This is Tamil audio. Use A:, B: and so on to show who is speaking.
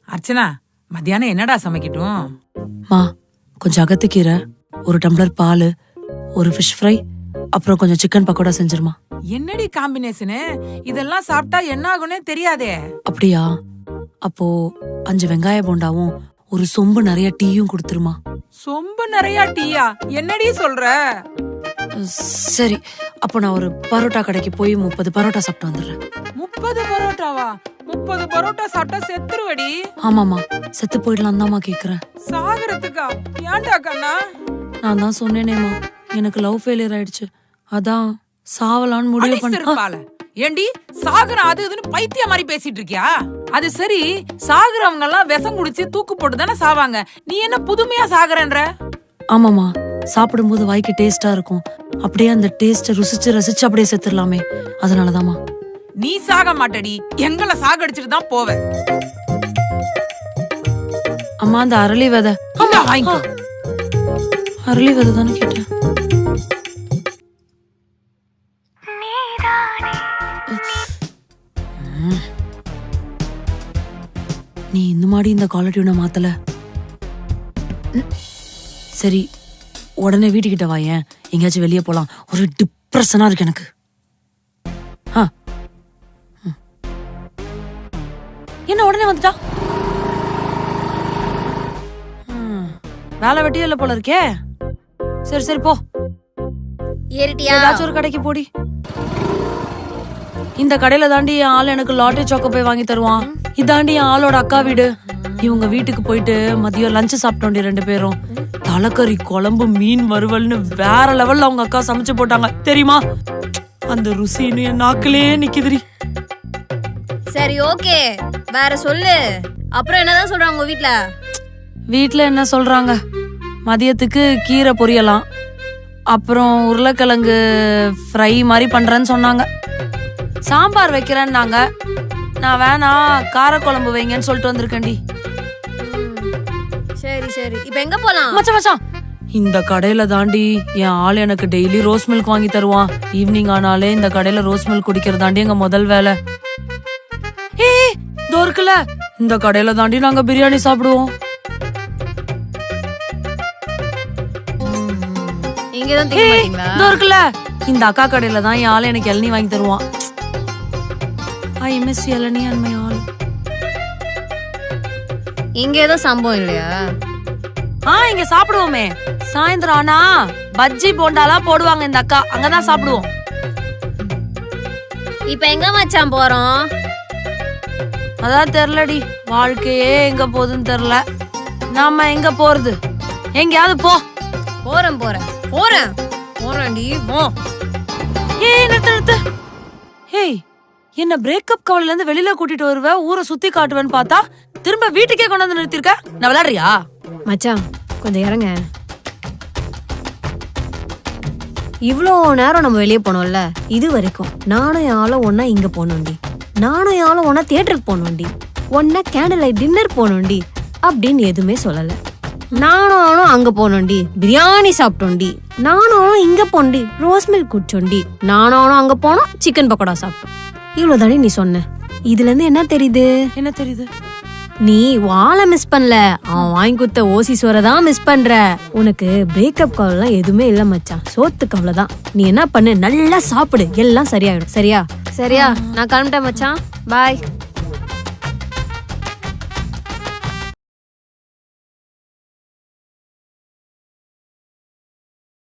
A: அர்ச்சனா, மத்தியானம் என்னடா சமைக்கட்டும்?
B: மா, கொஞ்சம் அகத்துக்கீரை, ஒரு டம்ளர் பால், ஒரு ஃபிஷ் ஃப்ரை, அப்புறம் கொஞ்சம் சிக்கன் பக்கோடா செஞ்சிருமா.
A: என்னடி காம்பினேஷனு? இதெல்லாம் சாப்பிட்டா என்ன ஆகும்னே தெரியாதே.
B: அப்படியா? அப்போ 5 வெங்காய போண்டாவும் ஒரு சொம்பு நிறைய டீயும் கொடுத்துருமா.
A: சொம்பு நிறைய டீயா? என்னடி சொல்ற?
B: சரி, அப்போ நான் ஒரு பரோட்டா கடைக்கு போய் 30 பரோட்டா சாப்பிட்டு வந்துடுறேன்.
A: 30 பரோட்டாவா? 30 பரோட்டா சாப்பிட்டா செத்துருவடி.
B: ஆமாமா, செத்து போயிடலாம் தான்மா கேக்குறேன்.
A: சாகரத்துக்கா? ஏன்டா கண்ணா?
B: நான் தான் சொன்னேனேமா, எனக்கு லவ் ஃபெயிலியர் ஆயிடுச்சு, அதான் சாவலான்னு முடிவு பண்ண.
A: ஏண்டி சாகுற அது இதுன்னு பைத்திய மாதிரி பேசிட்டு இருக்கியா? அது சரி, சாகுறவங்க எல்லாம் விஷம் குடிச்சு தூக்கு போட்டு தானே சாவாங்க. நீ என்ன புதுமையா சாகுறன்ற?
B: ஆமாமா, சாப்பிடும்போது வாய்க்கு டேஸ்டா இருக்கும், அப்படியே அந்த டேஸ்ட ருசிச்சு ரசிச்சு அப்படியே செத்துடலாமே, அதனாலதாமா.
A: நீ சாக மாட்டடி, எங்களை சாகடிச்சிட்டு தான் போவ.
B: அம்மா, அந்த அரளி விதை. அரளி விதை தானே கேட்டேன். நீ இந்த மாதிரி இந்த காலர் டியூனை மாத்தல. சரி, உடனே வீட்டுக்கிட்ட வாயேன், எங்கேயாச்சும் வெளியே போலாம். ஒரு டிப்ரெஷனா இருக்கு எனக்கு. என்ன உடனே வந்துட்டா? வேலை வெட்டியே இல்ல போல இருக்கே. சரி சரி போ.
C: ஏறிட்டியா?
B: ஏதாச்சும் ஒரு கடைக்கு போடி. இந்த கடையில தாண்டி என் ஆள் எனக்கு லாட்டரி சாக்கோ போய் வாங்கி தருவான். இதாண்டி என் ஆளோட அக்கா வீடு. இவங்க வீட்டுக்கு போயிட்டு மதியம் லஞ்சு சாப்பிட்டோண்டி 2 பேரும். தலைக்கறி குழம்பு, மீன் வறுவல்னு வேற லெவல்ல அவங்க அக்கா சமைச்சு போட்டாங்க தெரியுமா. அந்த ருசின்னு என் நாக்கிலே நிக்குதுரி.
C: சரி ஓகே, வேற சொல்லு. அப்புறம் என்னதான் சொல்றாங்க உங்க வீட்ல?
B: வீட்ல என்ன சொல்றாங்க, மதியத்துக்கு கீரை பொரியலாம், அப்புறம் உருளைக்கிழங்கு ஃப்ரை மாதிரி பண்றேன்னு சொன்னாங்க. சாம்பார் வைக்கிறேன்னாங்க. நான் வேணா காரக்குழம்பு வைங்கன்னு சொல்லிட்டு வந்திருக்கேன்டி.
C: சரி சரி, இப்போ எங்க போலாம்?
B: மச்சான், இந்த கடையில தாண்டி என் ஆள் எனக்கு டெய்லி ரோஸ் மில்க் வாங்கி தருவான். ஈவினிங் ஆனாலே இந்த கடையில ரோஸ் மில்க் குடிக்கிறதாண்டி எங்க முதல் வேலை. ஏய் இதோ இருக்குல்ல, இந்த கடையில தாண்டி நாங்க பிரியாணி சாப்பிடுவோம். இதோ இருக்குல்ல, இந்த அக்கா கடையில தான் என் ஆள் எனக்கு இளநீ வாங்கி தருவான். I miss ilaneer and my aal.
C: இங்க ஏதோ சம்பவம் இல்லையா?
B: இங்க சாப்பிடுவோமே. சாயந்தரம் ஆனா பஜ்ஜி போண்டாலாம் போடுவாங்க இந்த அக்கா, அங்கதான் சாப்பிடுவோம்.
C: இப்ப எங்க மச்சான் போறோம்?
B: அதான் தெரியலடி, வாழ்க்கையே எங்க போகுதுன்னு தெரியல. நாம எங்க போறது? எங்கயாவது போ.
C: போறேன் போறேன் போறேன் போறேன்டி போ.
B: ஏய் நிறுத்து. ஹேய், என்ன பிரேக்கப் கவலையில இருந்து வெளியில கூட்டிட்டு வருவ, ஊரை சுத்தி காட்டுவேன்னு பார்த்தா திரும்ப வீட்டுக்கே கொண்டு வந்து நிறுத்திருக்க. நான் விளையாடுறியா?
C: மச்சான் கொஞ்சம் இறங்க. இவ்வளோ நேரம் நம்ம வெளியே போனோம்ல, இது வரைக்கும் நானும் யாரும் ஒன்னா இங்க போனோண்டி, நானும் யாரும் ஒன்னா தியேட்டருக்கு போனோண்டி, ஒன்னா கேண்டில் லைட் டின்னர் போனோண்டி அப்படின்னு எதுவுமே சொல்லல. நானும் அங்க போனோண்டி, பிரியாணி சாப்பிட்டோண்டி, நானும் இங்க போண்டி, ரோஸ் மில்க் குடிச்சோண்டி, நானும் அங்க போனோம், சிக்கன் பக்கோடா சாப்பிட்டோம். இவ்வளவுதானே நீ சொன்ன. இதுல இருந்து என்ன தெரியுது?
B: என்ன தெரியுது?
C: நீ வாழை மிஸ் பண்ணல, அவன் வாங்கி கொடுத்த ஓசி சோரை தான் மிஸ் பண்ற. உனக்கு பிரேக்கப் கவலைலாம் எதுவுமே இல்ல மச்சான், சோத்து கவலை தான். நீ என்ன பண்ணு, நல்லா சாப்பிடு, எல்லாம் சரியாயிடும். சரியா? சரியா, நான் கிளம்பிட்டேன் மச்சான், பாய்.